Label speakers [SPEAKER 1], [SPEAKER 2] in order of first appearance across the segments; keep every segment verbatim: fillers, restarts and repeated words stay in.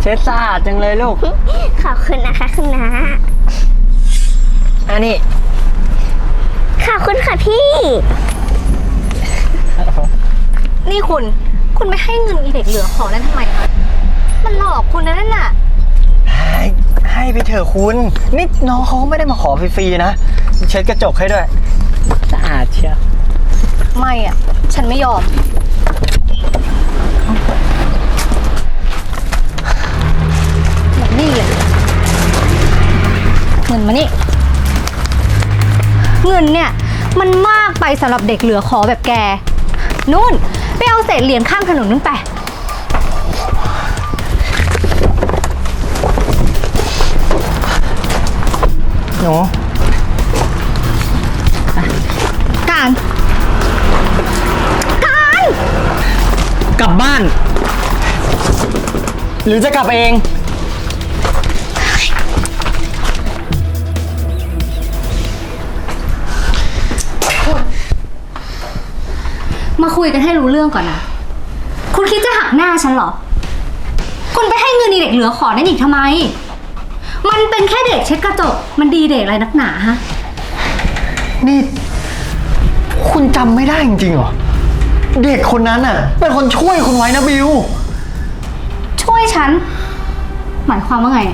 [SPEAKER 1] เช็ดสะอาดจังเลยลูก
[SPEAKER 2] ขอบคุณนะคะคุณน้า
[SPEAKER 1] อันนี้
[SPEAKER 2] ขอบคุณค่ะพี่
[SPEAKER 3] นี่คุณคุณไม่ให้เงินอีเด็กเหลือขอนั้นทำไมคะมันหลอกคุณนะนั่นน่ะ
[SPEAKER 1] ให้ให้ไปเถอะคุณนี่น้องเขาไม่ได้มาขอฟรีๆนะเช็ดกระจกให้ด้วยสะอาดเชียว
[SPEAKER 3] ไม่อ่ะฉันไม่ยอมแบบนี้เลยเงินมานี่เงินเนี่ยมันมากไปสำหรับเด็กเหลือขอแบบแกนู่นไปเอาเศษเหรียญข้างถนนนั่นไป
[SPEAKER 1] หนู
[SPEAKER 3] การการ
[SPEAKER 1] กลับบ้านหรือจะกลับเอง
[SPEAKER 3] มาคุยกันให้รู้เรื่องก่อนนะคุณคิดจะหักหน้าฉันเหรอคุณไปให้เงินเด็กเหลือขอนั่นอีกทำไมมันเป็นแค่เด็กเช็ดกระจกมันดีเด็กอะไรนักหนาฮะ
[SPEAKER 1] นี่คุณจำไม่ได้จริงๆเหรอเด็กคนนั้นน่ะเป็นคนช่วยคุณไว้นะบิว
[SPEAKER 3] ช่วยฉันหมายความว่าไง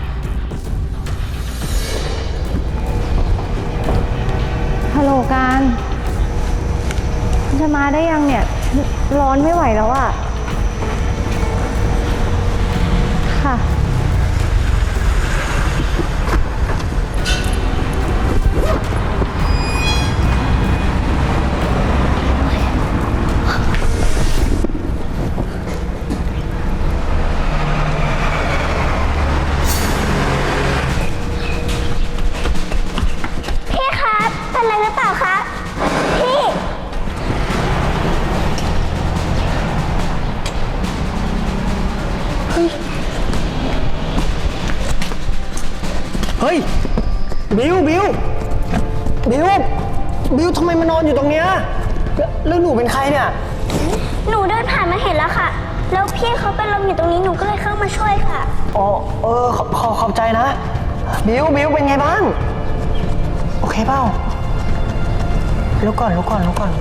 [SPEAKER 3] ฮัลโหลการจะมาได้ยังเนี่ยร้อนไม่ไหวแล้วอะค่ะ
[SPEAKER 2] พี่ครับเป็นอะไรหรือเปล่าคะพี่
[SPEAKER 1] เฮ้ยบิวบิวบิวบิวทำไมมานอนอยู่ตรงเนี้ยแล้วหนูเป็นใครเนี่ย
[SPEAKER 2] หนูเดินผ่านมาเห็นแล้วค่ะแล้วพี่เขาเป็นลมอยู่ตรงนี้หนูก็เลยเข้ามาช่วยค่ะ
[SPEAKER 1] อ๋อเออขอขอขอบใจนะบิวบิวเป็นไงบ้างโอเคเปล่าลุกก่อนลุกก่อนลุกก่อน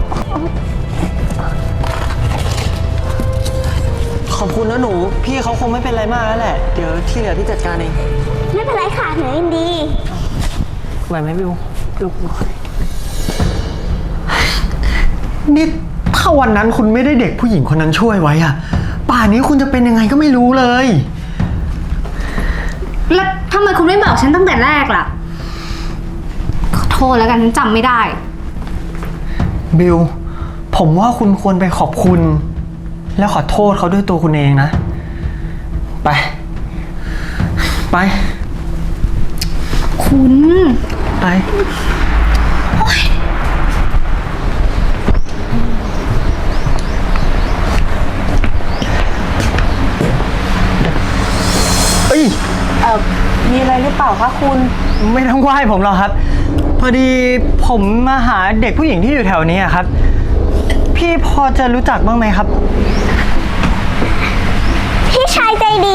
[SPEAKER 1] ขอบคุณนะหนูพี่เขาคงไม่เป็นไรมากแล้วแหละเดี๋ยวที่เหลือพี่จัดการเอง
[SPEAKER 2] ไม่เป็นไรค่ะหนูยินดี
[SPEAKER 1] ไหวไหมบิวลุกนี่ถ้าวันนั้นคุณไม่ได้เด็กผู้หญิงคนนั้นช่วยไว้อะป่านนี้คุณจะเป็นยังไงก็ไม่รู้เลย
[SPEAKER 3] แล้วทำไมคุณไม่บอกฉันตั้งแต่แรกล่ะขอโทษแล้วกันฉันจำไม่ได้
[SPEAKER 1] บิวผมว่าคุณควรไปขอบคุณแล้วขอโทษเขาด้วยตัวคุณเองนะไปไป
[SPEAKER 3] คุณ
[SPEAKER 1] ไปเอ้ย
[SPEAKER 3] เอ่อมีอะไรหรือเปล่าคะคุณ
[SPEAKER 1] ไม่ต้องไหว้ผมหรอกครับพอดีผมมาหาเด็กผู้หญิงที่อยู่แถวนี้ครับพี่พอจะรู้จักบ้างไหมครับ
[SPEAKER 2] พี่ชายใจดี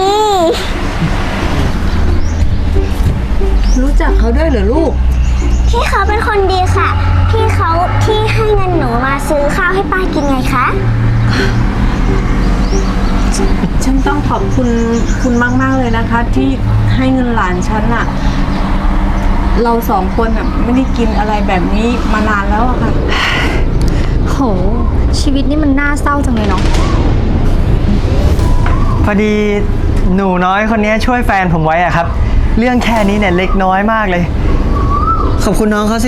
[SPEAKER 3] รู้จักเขาด้วยเหรอลูก
[SPEAKER 2] พี่เขาเป็นคนดีค่ะพี่เขาที่ให้เงินหนูมาซื้อข้าวให้ป้ากินไงคะ
[SPEAKER 4] ฉันต้องขอบคุณคุณมากๆเลยนะคะที่ให้เงินหลานฉันอะเราสองคนอะไม่ได้กินอะไรแบบนี้มานานแล้วอะค่ะ
[SPEAKER 3] โหชีวิตนี่มันน่าเศร้าจังเลยเนาะ
[SPEAKER 1] พอดีหนูน้อยคนนี้ช่วยแฟนผมไว้อะครับเรื่องแค่นี้เนี่ยเล็กน้อยมากเลยขอบคุณน้องเขาสิ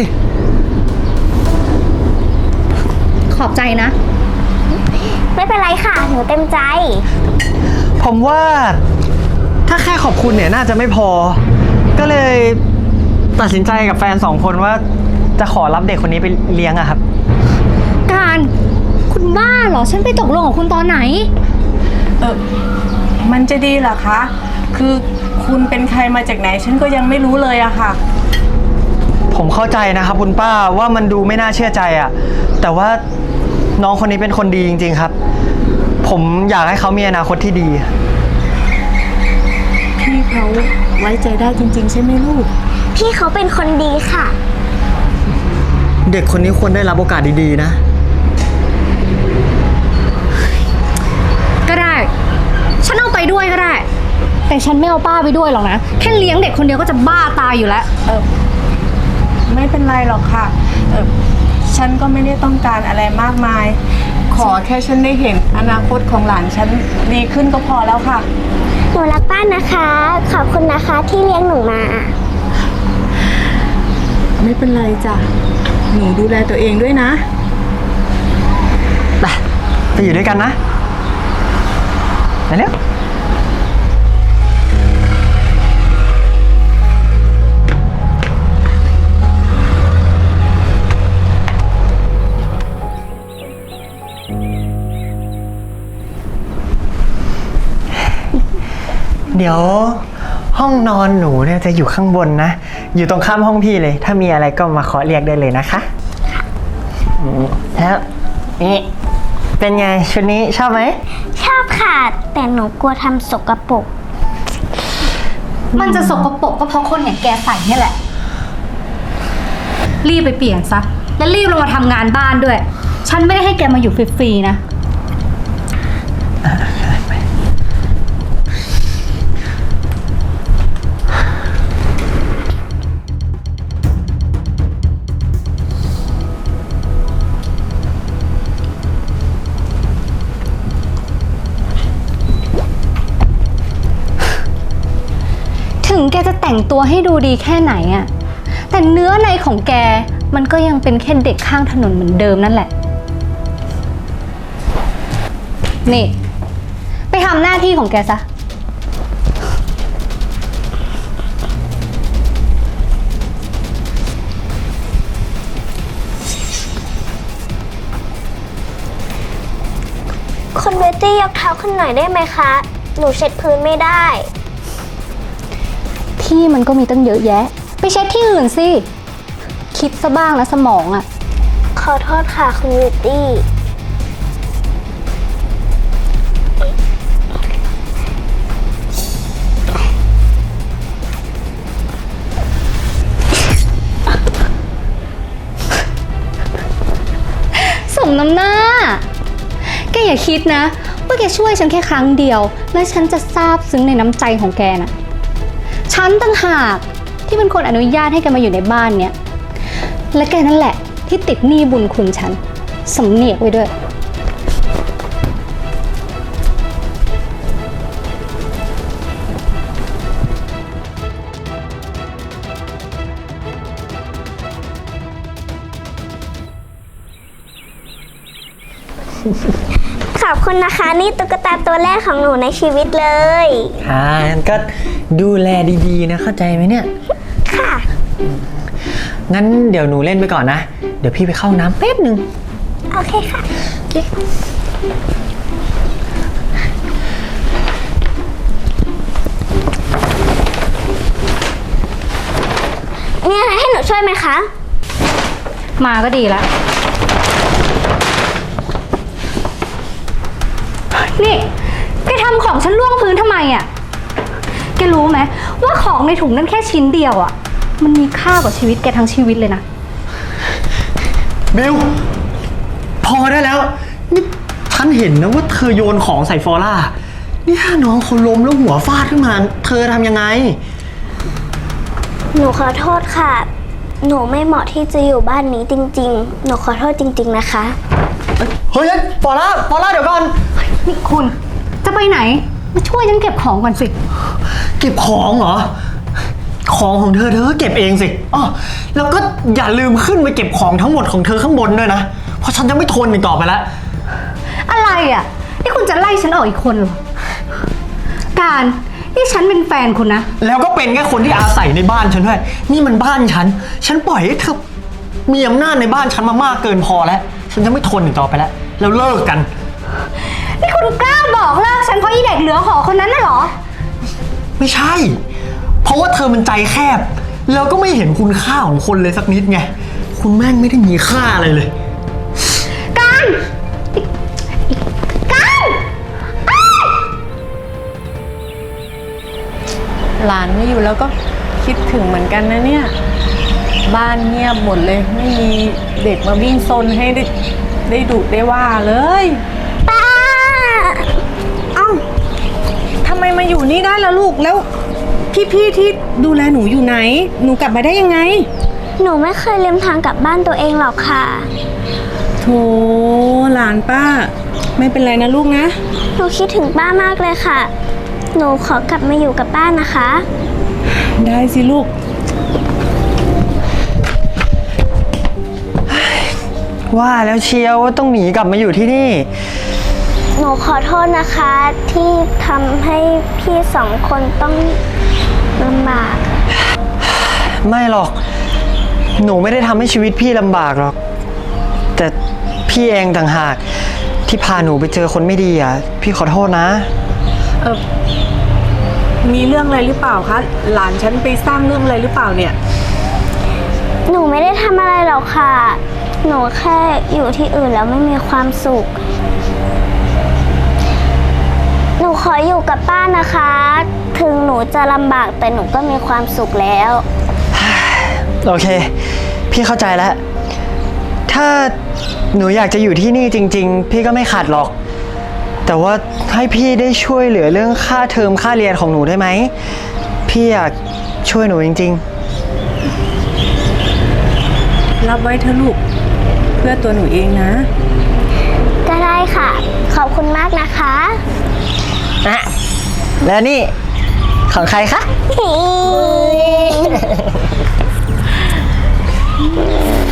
[SPEAKER 3] ขอบใจนะ
[SPEAKER 2] ไม่เป็นไรค่ะหนูเต็มใจ
[SPEAKER 1] ผมว่าถ้าแค่ขอบคุณเนี่ยน่าจะไม่พอก็เลยตัดสินใจกับแฟนสองคนว่าจะขอรับเด็กคนนี้ไปเลี้ยงอะครับ
[SPEAKER 3] การคุณบ้าเหรอฉันไปตกลงกับคุณตอนไหน
[SPEAKER 4] เออมันจะดีเหรอคะคือคุณเป็นใครมาจากไหนฉันก็ยังไม่รู้เลยอะค่ะ
[SPEAKER 1] ผมเข้าใจนะครับคุณป้าว่ามันดูไม่น่าเชื่อใจอะแต่ว่าน้องคนนี้เป็นคนดีจริงๆครับผมอยากให้เขามีอนาคตที่ดี
[SPEAKER 4] พี่เขาไว้ใจได้จริงๆใช่ไหมลูก
[SPEAKER 2] พี่เขาเป็นคนดีค่ะ
[SPEAKER 1] เด็กคนนี้ควรได้รับโอกาสดีๆนะ
[SPEAKER 3] ก็ได้ ฉันเอาไปด้วยก็ได้ แต่ฉันไม่เอาป้าไปด้วยหรอกนะ แค่เลี้ยงเด็กคนเดียวก็จะบ้าตายอยู่แล้ว
[SPEAKER 4] เออไม่เป็นไรหรอกค่ะเออฉันก็ไม่ได้ต้องการอะไรมากมาย ขอแค่ฉันได้เห็นอนาคตของหลานฉันดีขึ้นก็พอแล้วค่ะ
[SPEAKER 2] หนูรักป้านะคะ ขอบคุณนะคะที่เลี้ยงหนูมา
[SPEAKER 4] ไม่เป็นไรจ้ะ หนูดูแลตัวเองด้วยนะ
[SPEAKER 1] ไป ไปอยู่ด้วยกันนะไปเร็ว เดี๋ยวห้องนอนหนูเนี่ยจะอยู่ข้างบนนะ อยู่ตรงข้ามห้องพี่เลย ถ้ามีอะไรก็มาขอเรียกได้เลยนะคะอืมแล้วนี่เป็นไงชุดนี้ชอบไหม
[SPEAKER 2] ชอบค่ะ แต่หนูกลัวทำสกปรก
[SPEAKER 3] มันจะสกปรกก็เพราะคนอย่างแกใส่เนี่ยแหละ รีบไปเปลี่ยนซะ แล้วรีบลงมาทำงานบ้านด้วย ฉันไม่ได้ให้แกมาอยู่ฟรีๆนะ ถึงแกจะแต่งตัวให้ดูดีแค่ไหนอะแต่เนื้อในของแกมันก็ยังเป็นแค่เด็กข้างถนนเหมือนเดิมนั่นแหละ นี่ ไปทำหน้าที่ของแกซะ
[SPEAKER 2] คุณเบตตี้ยกเท้าขึ้นหน่อยได้ไหมคะ หนูเช็ดพื้นไม่ได้
[SPEAKER 3] ที่มันก็มีตั้งเยอะแยะ ไปเช็ดที่อื่นสิ คิดซะบ้างนะสมองอะ
[SPEAKER 2] ขอโทษค่ะคุณเบตตี้
[SPEAKER 3] สมน้ำหน้า แกอย่าคิดนะว่าแกช่วยฉันแค่ครั้งเดียว แล้วฉันจะซาบซึ้งในน้ำใจของแกนะฉันตั้งหากที่เป็นคนอนุญาตให้แกมาอยู่ในบ้านเนี้ยและแกนั่นแหละที่ติดหนี้บุญคุณฉันสำเนียกไว้ด้วย
[SPEAKER 2] ขอบคุณนะคะ นี่ตุ๊กตาตัวแรกของหนูในชีวิตเลย
[SPEAKER 1] อ่างั้นก็ดูแลดีๆนะเข้าใจไหมเนี่ย
[SPEAKER 2] ค่ะ
[SPEAKER 1] งั้นเดี๋ยวหนูเล่นไปก่อนนะ เดี๋ยวพี่ไปเข้าน้ำแป๊บหนึ่ง
[SPEAKER 2] โอเคค่ะ มีอะไรให้หนูช่วยไหมคะ
[SPEAKER 3] มาก็ดีแล้ว นี่แกทำของฉันล่วงพื้นทำไมอ่ะ แกรู้ไหมว่าของในถุงนั้นแค่ชิ้นเดียวอ่ะ มันมีค่ากว่าชีวิตแกทั้งชีวิตเลยนะ
[SPEAKER 1] เบล พอได้แล้ว นี่ฉันเห็นนะว่าเธอโยนของใส่ฟอร่า นี่ถ้าน้องเขาล้มแล้วหัวฟาดขึ้นมา เธอทำยังไง
[SPEAKER 2] หนูขอโทษค่ะ หนูไม่เหมาะที่จะอยู่บ้านนี้จริงๆ หนูขอโทษจริงๆนะคะ
[SPEAKER 1] เฮ้ยฟอร่าฟอร่าเดี๋ยวก่อน
[SPEAKER 3] นี่คุณจะไปไหน มาช่วยฉันเก็บของก่อนสิ
[SPEAKER 1] เก็บของเหรอ ของของเธอเธอก็เก็บเองสิอ๋อแล้วก็อย่าลืมขึ้นไปเก็บของทั้งหมดของเธอข้างบนด้วยนะ เพราะฉันจะไม่ทนอีกต่อไปแล้ว
[SPEAKER 3] อะไรอ่ะ นี่คุณจะไล่ฉันออกอีกคนเหรอ การนี่ฉันเป็นแฟนคุณนะ
[SPEAKER 1] แล้วก็เป็นแค่คนที่อาศัยในบ้านฉันด้วย นี่มันบ้านฉัน ฉันปล่อยให้เธอมีอำนาจในบ้านฉันมามากเกินพอแล้ว ฉันจะไม่ทนอีกต่อไปแล้ว แล้วเลิกกัน
[SPEAKER 3] นี่คุณกล้าบอกเลิกฉันเพราะอีเด็กเหลือหอคนนั้นน่ะเหรอ
[SPEAKER 1] ไม่ใช่ เพราะว่าเธอมันใจแคบ แล้วก็ไม่เห็นคุณค่าของคนเลยสักนิดไง คุณแม่งไม่ได้มีค่าอะไรเลย
[SPEAKER 3] การการอ้าย
[SPEAKER 4] หลานไม่อยู่แล้วก็คิดถึงเหมือนกันนะเนี่ย บ้านเงียบหมดเลย ไม่มีเด็กมาวิ่งซนให้ได้ได้ดุได้ว่าเลย
[SPEAKER 2] ป้า
[SPEAKER 4] เอ้าทำไมมาอยู่นี่ได้ล่ะลูกแล้ว พี่ๆที่ดูแลหนูอยู่ไหน หนูกลับมาได้ยังไง
[SPEAKER 2] หนูไม่เคยลืมทางกลับบ้านตัวเองหรอกค่ะ
[SPEAKER 4] โถหลานป้า ไม่เป็นไรนะลูกนะ
[SPEAKER 2] หนูคิดถึงป้ามากเลยค่ะ หนูขอกลับมาอยู่กับป้านะคะ
[SPEAKER 4] ได้สิลูก
[SPEAKER 1] ว่าแล้วเชียวว่าต้องหนีกลับมาอยู่ที่นี่
[SPEAKER 2] หนูขอโทษนะคะ ที่ทำให้พี่สองคนต้องลำบาก
[SPEAKER 1] ไม่หรอก หนูไม่ได้ทำให้ชีวิตพี่ลำบากหรอก แต่พี่เองต่างหากที่พาหนูไปเจอคนไม่ดีอ่ะ พี่ขอโทษนะ
[SPEAKER 4] เออมีเรื่องอะไรหรือเปล่าคะ หลานฉันไปสร้างเรื่องอะไรหรือเปล่าเนี่ย
[SPEAKER 2] หนูไม่ได้ทำอะไรหรอกค่ะ หนูแค่อยู่ที่อื่นแล้วไม่มีความสุข หนูขออยู่กับป้านะคะ ถึงหนูจะลำบากแต่หนูก็มีความสุขแล้ว
[SPEAKER 1] โอเค พี่เข้าใจแล้ว ถ้าหนูอยากจะอยู่ที่นี่จริง ๆ พี่ก็ไม่ขัดหรอก แต่ว่าให้พี่ได้ช่วยเหลือเรื่องค่าเทอมค่าเรียนของหนูได้ไหม พี่อยากช่วยหนูจริง
[SPEAKER 4] รับไว้เถอะลูก เพื่อตัวหนูเองนะ
[SPEAKER 2] ก็ได้ค่ะ ขอบคุณมากนะคะ
[SPEAKER 1] ๆอะแล้วนี่ของใครคะ
[SPEAKER 2] ฮิ